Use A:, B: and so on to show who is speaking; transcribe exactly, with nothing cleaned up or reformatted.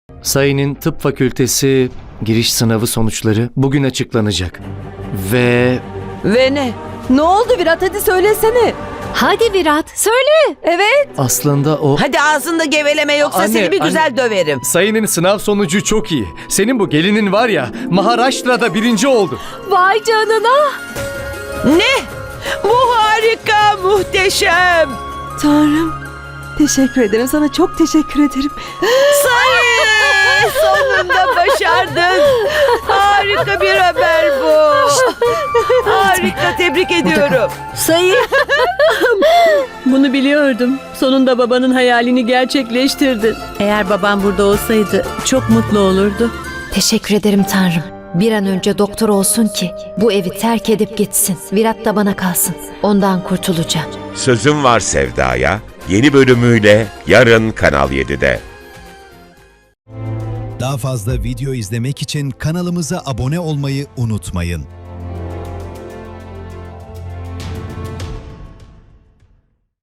A: Sayın'ın tıp fakültesi giriş sınavı sonuçları bugün açıklanacak. Ve
B: Ve ne? Ne oldu Virat, hadi söylesene.
C: Hadi Virat söyle.
B: Evet.
A: aslında o...
D: Hadi ağzında geveleme yoksa
A: Anne,
D: seni bir
A: anne.
D: güzel döverim.
A: Sayın'ın sınav sonucu çok iyi. Senin bu gelinin var ya, Maharashtra'da birinci oldu.
C: Vay canına.
D: Ne? Bu harika, muhteşem.
B: Tanrım, teşekkür ederim, sana çok teşekkür ederim.
D: Sayın, sonunda başardın. Harika bir haber bu. Harika, tebrik ediyorum.
E: Sayın. Bunu biliyordum. Sonunda babanın hayalini gerçekleştirdin. Eğer babam burada olsaydı çok mutlu olurdu.
C: Teşekkür ederim Tanrım. Bir an önce doktor olsun ki bu evi terk edip gitsin. Virat da bana kalsın. Ondan kurtulacağım.
F: Sözüm Var Sevda'ya yeni bölümüyle yarın Kanal yedide.
G: Daha fazla video izlemek için kanalımıza abone olmayı unutmayın.